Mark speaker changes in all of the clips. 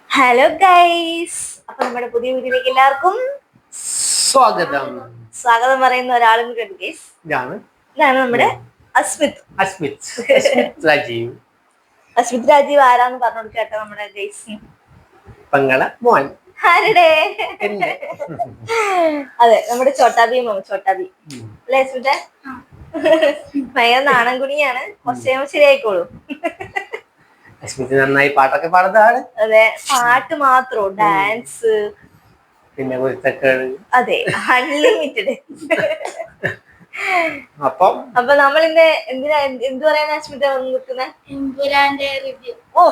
Speaker 1: Hello guys, അപ്പൊ നമ്മുടെ പുതിയ വീഡിയോയിലേക്ക് എല്ലാവർക്കും
Speaker 2: സ്വാഗതം.
Speaker 1: സ്വാഗതം പറയുന്ന ഒരാളും കൂടി ഉണ്ട് ഗൈസ്. ഇതാണ് നമ്മുടെ അസ്മിത്
Speaker 2: രാജീവ്.
Speaker 1: അസ്മിത് രാജീവ് ആരാന്ന് പറഞ്ഞു കൊടുക്കട്ടെ നമ്മുടെ ഗൈസ്.
Speaker 2: പങ്ങള മോൻ
Speaker 1: ആരുടെ? അതെ, നമ്മുടെ ചോട്ടാബി അല്ലേ അസ്മിത്തെ? ഭയങ്കര നാണം കുണിയാണ്, കുറച്ച് കഴിയുമ്പോൾ ശരിയായിക്കോളൂ.
Speaker 2: അസ്മിത് നന്നായി പാട്ടൊക്കെ പാടുന്നതാണ്.
Speaker 1: അതെ, പാട്ട് മാത്രോ, ഡാൻസ്
Speaker 2: പിന്നെ കുരുത്തക്കേട്,
Speaker 1: അതെ, അൺലിമിറ്റഡ്.
Speaker 2: അപ്പൊ
Speaker 1: നമ്മൾ ഇന്ന് എന്ത് പറയാൻ അസ്മിത വന്ന് നിൽക്കുന്നത്?
Speaker 3: എമ്പുരാന്റെ റിവ്യൂ.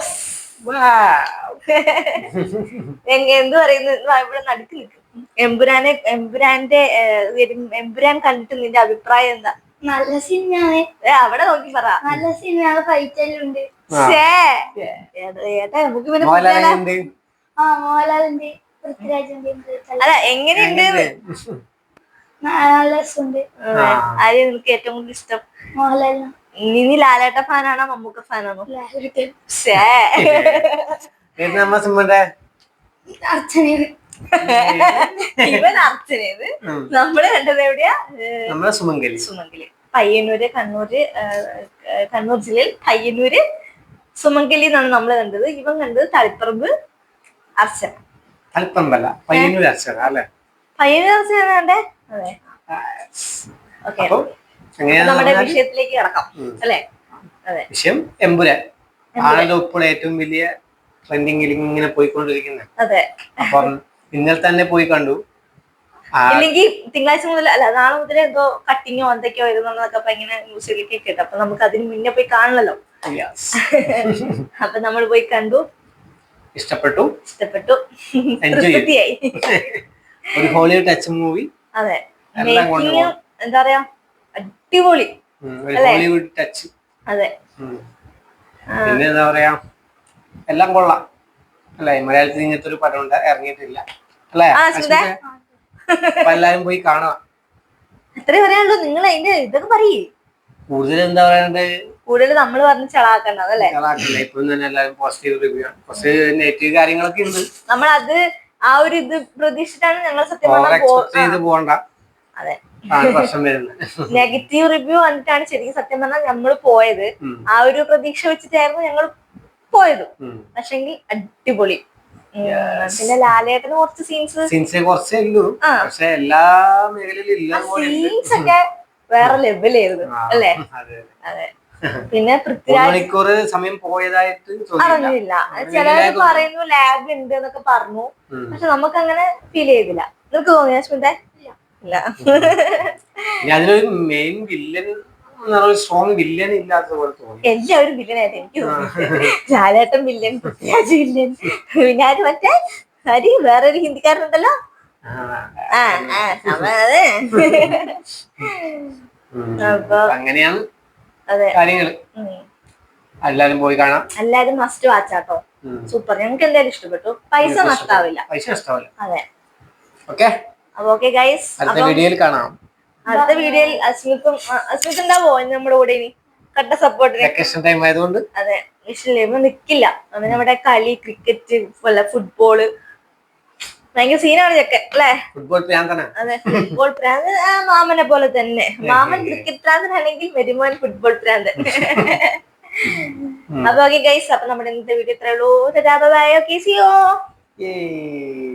Speaker 1: എന്ത് പറയുന്നു? ഇവിടെ നടുക്ക് നിൽക്കും. എമ്പുരാൻ കണ്ടിട്ട് നിന്റെ അഭിപ്രായം എന്താ?
Speaker 3: നല്ല സിനിമയാണ്.
Speaker 1: അവിടെ നോക്കി പറ.
Speaker 3: നല്ല സിനിമയാണ്, ഫൈറ്റ് എല്ലാം ഉണ്ട്.
Speaker 1: ഏട്ടാ നമുക്ക് പിന്നെ
Speaker 3: മോഹൻലാലിന്റെ പൃഥ്വിരാജിന്റെ
Speaker 1: അല്ല, എങ്ങനെയുണ്ട്?
Speaker 3: നല്ല രസമുണ്ട്.
Speaker 1: ആരെയും നിനക്ക് ഏറ്റവും കൂടുതൽ ഇഷ്ടം?
Speaker 3: മോഹൻലാലിന്.
Speaker 1: നീ ലാലേട്ട ഫാനാണോ മമ്മൂക്ക ഫാനാണോ? ഇവൻ അർച്ചനേത്. നമ്മള് കണ്ടത് എവിടെയാ? സുമംഗലി, പയ്യന്നൂര്, കണ്ണൂർ ജില്ലയിൽ പയ്യന്നൂര് സുമംഗലി എന്നാണ് നമ്മള് കണ്ടത്. ഇവൻ കണ്ടത് തളിപ്പറമ്പ് അർച്ചന.
Speaker 2: പയ്യന്നൂർ അർച്ചന അല്ലേ?
Speaker 1: പയ്യന്നൂർ അർച്ചന കണ്ടേ? അതെ. ഓക്കെ, നമ്മുടെ വിഷയത്തിലേക്ക് കിടക്കാം അല്ലെ? അതെ,
Speaker 2: വിഷയം എമ്പുരാൻ ആണല്ലോ ഇപ്പോൾ ഏറ്റവും വലിയ ട്രെൻഡിങ്ങിൽ ഇങ്ങനെ പോയിക്കൊണ്ടിരിക്കുന്നത്.
Speaker 1: അതെ.
Speaker 2: അപ്പം ഇന്നലെ തന്നെ പോയി കണ്ടു.
Speaker 1: ഇല്ലെങ്കിൽ തിങ്കളാഴ്ച മുതൽ, അല്ല നാളെ മുതൽ എന്തോ കട്ടിങ്ങോ എന്തൊക്കെയോ വരുന്നൊക്കെ അപ്പൊ ഇങ്ങനെ ന്യൂസിലേക്ക് കേട്ടു. അപ്പൊ നമുക്ക് അതിന് മുന്നേ പോയി കാണണല്ലോ. അപ്പൊ നമ്മൾ പോയി കണ്ടു, ഇഷ്ടപ്പെട്ടു, തൃപ്തിയായി.
Speaker 2: ഒരു ഹോളിവുഡ് ടച്ച് മൂവി.
Speaker 1: അതെ, എന്താ പറയാ, അടിപൊളി
Speaker 2: ഹോളിവുഡ് ടച്ച്.
Speaker 1: അതെ,
Speaker 2: പിന്നെ എന്താ പറയാ, എല്ലാം കൊള്ളാം അല്ലെ? മലയാളത്തിൽ ഇങ്ങനത്തെ ഒരു പടം ഇറങ്ങിയിട്ടില്ല അല്ലെ? അപ്പൊ എല്ലാരും പോയി കാണാം.
Speaker 1: അത്രേ പറയാനുള്ളൂ. നിങ്ങൾ അതിന്റെ ഇതൊക്കെ പറയേ.
Speaker 2: കൂടുതൽ എന്താ പറയണ്ടത്?
Speaker 1: കൂടുതൽ നമ്മൾ പറഞ്ഞ് ചളാക്കണ്ടത് അല്ലേ?
Speaker 2: ഇപ്പം തന്നെ എല്ലാരും പോസിറ്റീവ് റിവ്യൂ ആണ്. കുറച്ച് നെഗറ്റീവ് കാര്യങ്ങളൊക്കെ ഉണ്ട്.
Speaker 1: നമ്മൾ അത് ആ ഒരു ഇത് പ്രതീക്ഷിച്ചിട്ടാണ് ഞങ്ങൾ സത്യം
Speaker 2: ചെയ്ത് പോകണ്ട.
Speaker 1: അതെ,
Speaker 2: പ്രശ്നം വരുന്നത്.
Speaker 1: നെഗറ്റീവ് റിവ്യൂ വന്നിട്ടാണ് ശരിക്കും സത്യം പറഞ്ഞാൽ നമ്മൾ പോയത്. ആ ഒരു പ്രതീക്ഷ വെച്ചിട്ടായിരുന്നു ഞങ്ങൾ പോയത്. പക്ഷെങ്കിൽ അടിപൊളി. പിന്നെ ലാലേട്ടന് കുറച്ച് സീൻസ്
Speaker 2: കുറച്ചേ ഉള്ളൂ, പക്ഷെ എല്ലാ മേഖലയിലും
Speaker 1: സീൻസ് ഒക്കെ വേറെ ലെവലായിരുന്നു അല്ലേ? അതെ. പിന്നെ
Speaker 2: മണിക്കൂർ സമയം പോയതായിട്ട്
Speaker 1: അറിഞ്ഞില്ല. ചിലര് പറയുന്നു ലാഗ് ഉണ്ട് എന്നൊക്കെ പറഞ്ഞു, പക്ഷെ നമുക്ക് അങ്ങനെ ഫീൽ ചെയ്തില്ല. നിനക്ക് തോന്നിയ അശ്മിത? ഇല്ല.
Speaker 2: അതിലൊരു മെയിൻ വില്ലൻ, സ്ട്രോങ് വില്ലൻ ഇല്ലാത്ത പോലെ തോന്നി.
Speaker 1: എല്ലാവരും വില്ലനായിട്ട് എനിക്ക് തോന്നി. ലാലേട്ടൻ വില്ലൻ, പൃഥ്വിരാജ് വില്ലൻ, പിന്നെ മറ്റേ വേറൊരു ഹിന്ദിക്കാരനുണ്ടല്ലോ. അപ്പൊ
Speaker 2: അങ്ങനെയാണ്
Speaker 1: അതെ
Speaker 2: കാര്യങ്ങള്. എല്ലാരും പോയി കാണാം.
Speaker 1: എല്ലാരും മസ്റ്റ് വാച്ചാട്ടോ. സൂപ്പർ, ഞങ്ങൾക്ക് എന്തായാലും ഇഷ്ടപ്പെട്ടു. പൈസ നഷ്ടാവില്ല. അതെ.
Speaker 2: ഓക്കെ,
Speaker 1: അപ്പൊ ഓക്കെ ഗൈസ്,
Speaker 2: അടുത്ത വീഡിയോയിൽ കാണാം.
Speaker 1: അടുത്ത വീഡിയോയിൽ അസ്മിത് ഉണ്ടാവോ നമ്മുടെ കൂടെ ഇനി? കട്ട സപ്പോർട്ടിന്.
Speaker 2: വെക്കേഷൻ ടൈം ആയതുകൊണ്ട്
Speaker 1: അതെ, വിഷയം നിക്കില്ല. അവന് നമ്മുടെ കളി, ക്രിക്കറ്റ്, ഫുട്ബോള് ഭയങ്കര സീനാണ് ചെക്കൻ അല്ലേ?
Speaker 2: ഫുട്ബോൾ പ്രാന്തനാ.
Speaker 1: അതെ, ഫുട്ബോൾ പ്രാന്ത് മാമനെ പോലെ തന്നെ. മാമൻ ക്രിക്കറ്റ് പ്രാന്തനാണെങ്കിൽ വരുമോൻ ഫുട്ബോൾ പ്രാന്തൻ. അപ്പൊ ഓക്കെ ഗൈസ്, അപ്പൊ നമ്മുടെ ഇന്നത്തെ വീഡിയോ ഇത്രേ ഉള്ളൂ. Okay, see U.